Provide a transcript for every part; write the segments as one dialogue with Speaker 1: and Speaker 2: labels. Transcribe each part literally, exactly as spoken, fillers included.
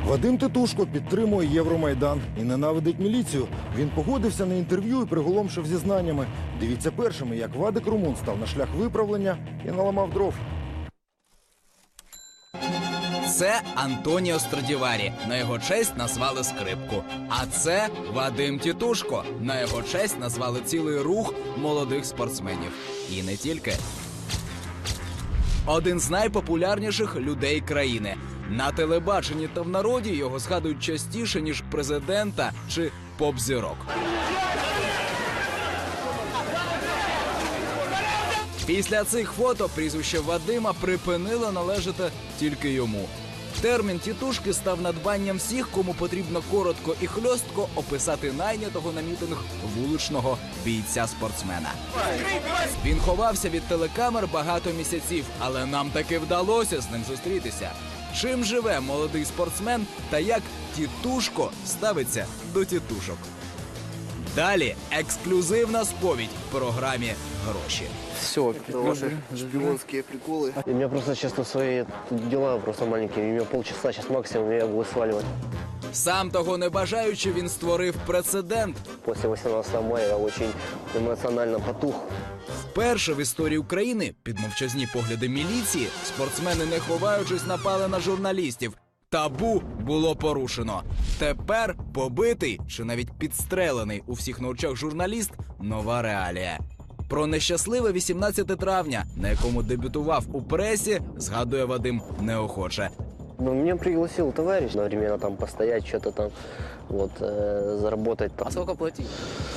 Speaker 1: Вадим Титушко підтримує Євромайдан і ненавидить міліцію. Він погодився на інтерв'ю і приголомшив зізнаннями. Дивіться першими, як Вадик Румун став на шлях виправлення і наламав дров.
Speaker 2: Це Антоніо Страдіварі. На його честь назвали скрипку. А це Вадим Титушко. На його честь назвали цілий рух молодих спортсменів. І не тільки. Один з найпопулярніших людей країни. На телебаченні та в народі його згадують частіше, ніж президента чи поп-зірок. Після цих фото прізвище Вадима припинило належати тільки йому. Термін «тітушки» став надбанням всіх, кому потрібно коротко і хльостко описати найнятого на мітинг вуличного бійця-спортсмена. Він ховався від телекамер багато місяців, але нам таки вдалося з ним зустрітися. Чим живе молодий спортсмен та як Тітушко ставиться до тітушок? Далі ексклюзивна сповідь в програмі «Гроші».
Speaker 3: Все,
Speaker 4: Это ваши шпионские приколы.
Speaker 3: у меня просто, честно, свои дела просто маленькие. У меня полчаса сейчас максимум, я буду сваливать.
Speaker 2: Сам того не бажаючи, він створив прецедент.
Speaker 3: После восемнадцатого мая я очень эмоционально потух.
Speaker 2: Вперше в історії України під мовчазні погляди міліції спортсмени, не ховаючись, напали на журналістів. Табу було порушено. Тепер побитий чи навіть підстрелений у всіх на очах журналіст – нова реалія. Про нещасливе вісімнадцяте травня, на якому дебютував у пресі, згадує Вадим неохоче.
Speaker 3: Ну, меня пригласил товарищ одновременно там постоять, что-то там, вот, э, заработать. Там.
Speaker 4: А сколько платить?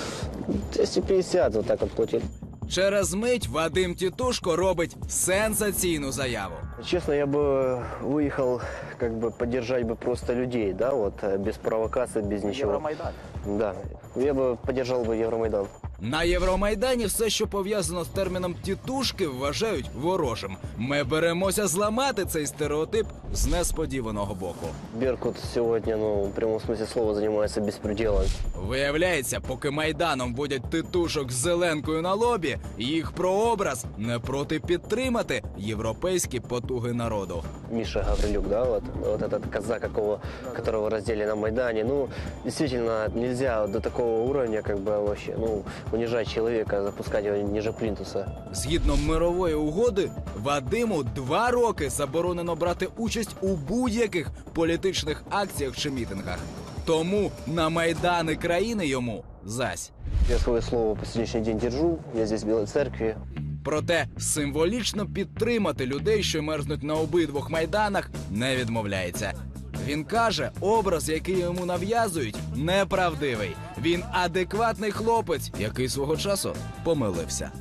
Speaker 3: двести пятьдесят вот так вот платили.
Speaker 2: Через мить Вадим Титушко робить сенсаційну заяву.
Speaker 3: Честно, я бы выехал, как бы, поддержать бы просто людей, да, вот, э, без провокаций, без ничего.
Speaker 4: Евромайдан.
Speaker 3: Да, я бы поддержал бы Евромайдан.
Speaker 2: На Євромайдані все, що пов'язано з терміном «тітушки», вважають ворожим. Ми беремося зламати цей стереотип з несподіваного боку.
Speaker 3: Беркут сегодня, ну, в прямом смысле слова, занимается беспределом.
Speaker 2: Виявляється, поки Майданом водять титушок з зеленкою на лобі, їх прообраз не проти підтримати європейські потуги народу.
Speaker 3: Миша Гаврилюк, да, вот, вот этот казак, какого, которого раздели на Майдане. Ну, действительно, нельзя до такого уровня, как бы, вообще, ну, унижать человека, запускать его ниже плинтуса.
Speaker 2: Згідно мирової угоди, Вадиму два роки заборонено брати участь у будь-яких політичних акціях чи мітингах. Тому на Майдани країни йому зась.
Speaker 3: Я свое слово по сегодняшний день держу, я здесь в Белой Церкви.
Speaker 2: Проте символічно підтримати людей, що мерзнуть на обидвох майданах, не відмовляється. Він каже, образ, який йому нав'язують, неправдивий. Він адекватний хлопець, який свого часу помилився.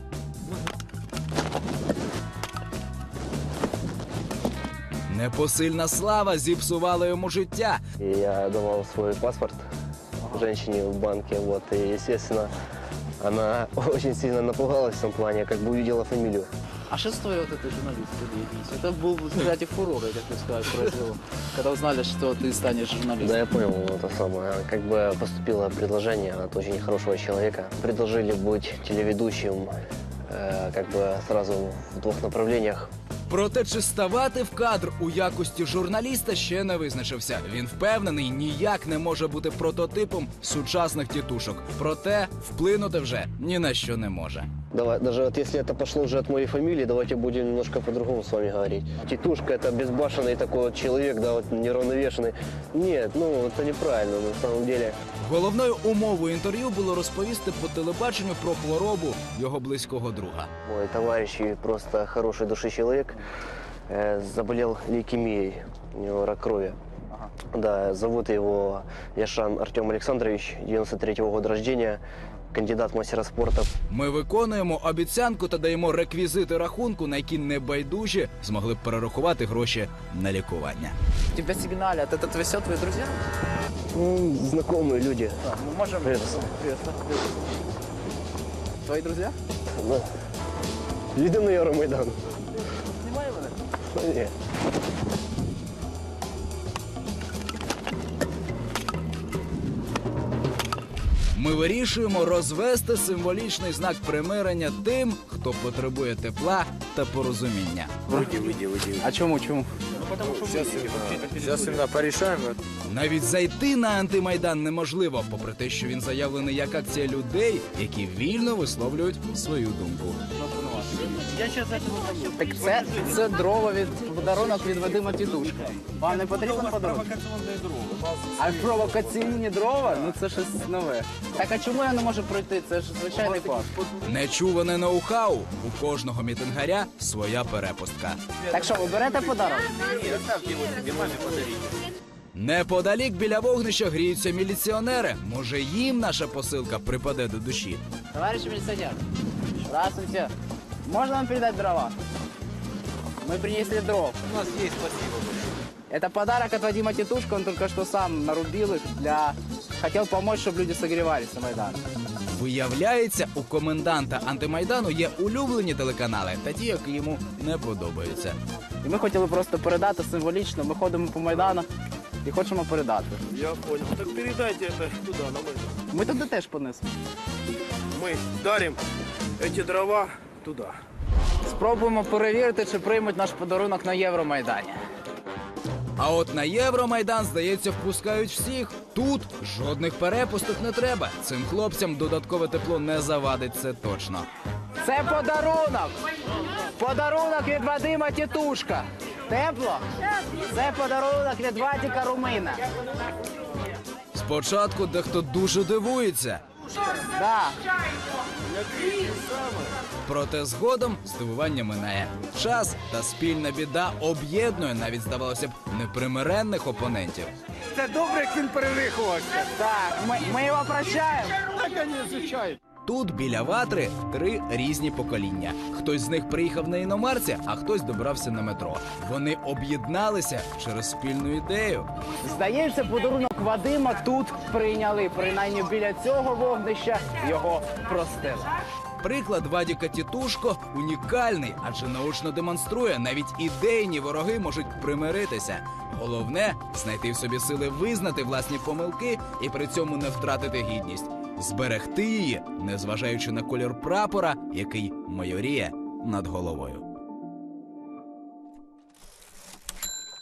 Speaker 2: Непосильна слава зіпсувала йому життя.
Speaker 3: И я давал свой паспорт женщине в банке, вот, и, естественно, она очень сильно напугалась в том плане, как бы увидела фамилию.
Speaker 4: А что стоит вот этой журналистской деятельности? Это был, кстати, фурор, как ты сказать, произвело. Когда узнали, что ты станешь журналистом.
Speaker 3: Да, я понял, это самое. Как бы поступило предложение от очень хорошего человека. Предложили быть телеведущим, э, как бы сразу в двух направлениях.
Speaker 2: Проте, чи ставати в кадр у якості журналіста, ще не визначився. Він впевнений, ніяк не може бути прототипом сучасних тітушок. Проте вплинути вже ні на що не може.
Speaker 3: Давай, даже вот если это пошло уже от моей фамилии, давайте будем немножко по-другому с вами говорить. Титушка — это безбашенный такой вот человек, да, вот неравновешенный. Нет, ну это неправильно на самом деле.
Speaker 2: Головною умовою інтерв'ю було розповісти по телебаченню про хворобу його близького друга.
Speaker 3: Мой товарищ и просто хороший души человек э, заболел лейкемией, у него рак крови. Да, зовут его Яшан Артем Александрович, девяносто третьего года рождения, кандидат в мастера спорта.
Speaker 2: Ми виконуємо обіцянку та даємо реквізити рахунку, на які небайдужі змогли б перерахувати гроші на лікування.
Speaker 4: Тебя сигналят, это все твои друзья?
Speaker 3: Ну, знакомые люди.
Speaker 4: Да, мы можем...
Speaker 3: Привет.
Speaker 4: Привет. Твои друзья?
Speaker 3: Да. Едем на Евромайдан.
Speaker 4: Снимаем это?
Speaker 3: Нет.
Speaker 2: Ми вирішуємо розвести символічний знак примирення тим, хто потребує тепла та порозуміння.
Speaker 5: Выйди, выйди, выйди.
Speaker 4: А чому, чому?
Speaker 5: Сейчас, сейчас именно порешаем.
Speaker 2: Навіть зайти на антимайдан неможливо, попри те, що він заявлений як акція людей, які вільно висловлюють свою думку.
Speaker 4: Так це, це дрова від подарунок від Вадима Тітушка. Вам не потрібен подарунок? А провокаційні дрова? Ну це щось нове. Так а чому я не можу пройти? Це ж звичайний парк.
Speaker 2: Нечуване ноу-хау. У кожного мітингаря своя перепустка.
Speaker 4: Так що, ви берете подарунок?
Speaker 2: Неподалік біля вогнища гріються міліціонери. Може, їм наша посилка припаде до душі.
Speaker 4: Товарищ милиционер, здравствуйте. Можно вам передать дрова? Мы принесли дров.
Speaker 5: У нас есть, спасибо.
Speaker 4: Это подарок от Вадима Титушка, он только что сам нарубил их для... Хотел помочь, чтобы люди согревались на Майдане.
Speaker 2: Виявляється, у коменданта антимайдану є улюблені телеканали та ті, які йому не подобаються.
Speaker 4: І ми хотіли просто передати символічно. Ми ходимо по Майдану і хочемо передати.
Speaker 6: Я понял. Так передайте это туда, на Майдан.
Speaker 4: Ми туди теж понесемо.
Speaker 6: Мы дарим эти дрова туда.
Speaker 4: Спробуємо перевірити, чи приймуть наш подарунок на Євромайдані.
Speaker 2: А от на Євромайдан, здається, впускають всіх. Тут жодних перепусток не треба. Цим хлопцям додаткове тепло не завадить, це точно.
Speaker 4: Це подарунок! Подарунок від Вадима Тітушка. Тепло? Це подарунок від Вадика Румина.
Speaker 2: Спочатку дехто дуже дивується.
Speaker 4: Да.
Speaker 2: Проте згодом здивування минає. Час та спільна біда об'єднує навіть, здавалося б, непримиренних опонентів.
Speaker 6: Це добре, як він перевиховався.
Speaker 4: Так, ми, ми його прощаємо.
Speaker 2: Тут біля ватри три різні покоління. Хтось з них приїхав на іномарці, а хтось добрався на метро. Вони об'єдналися через спільну ідею.
Speaker 4: Здається, подарунок Вадима тут прийняли. Принаймні біля цього вогнища його простили.
Speaker 2: Приклад Вадіка Тітушко унікальний, адже наочно демонструє, навіть ідейні вороги можуть примиритися. Головне – знайти в собі сили визнати власні помилки і при цьому не втратити гідність. Зберегти її, незважаючи на колір прапора, який майоріє над головою.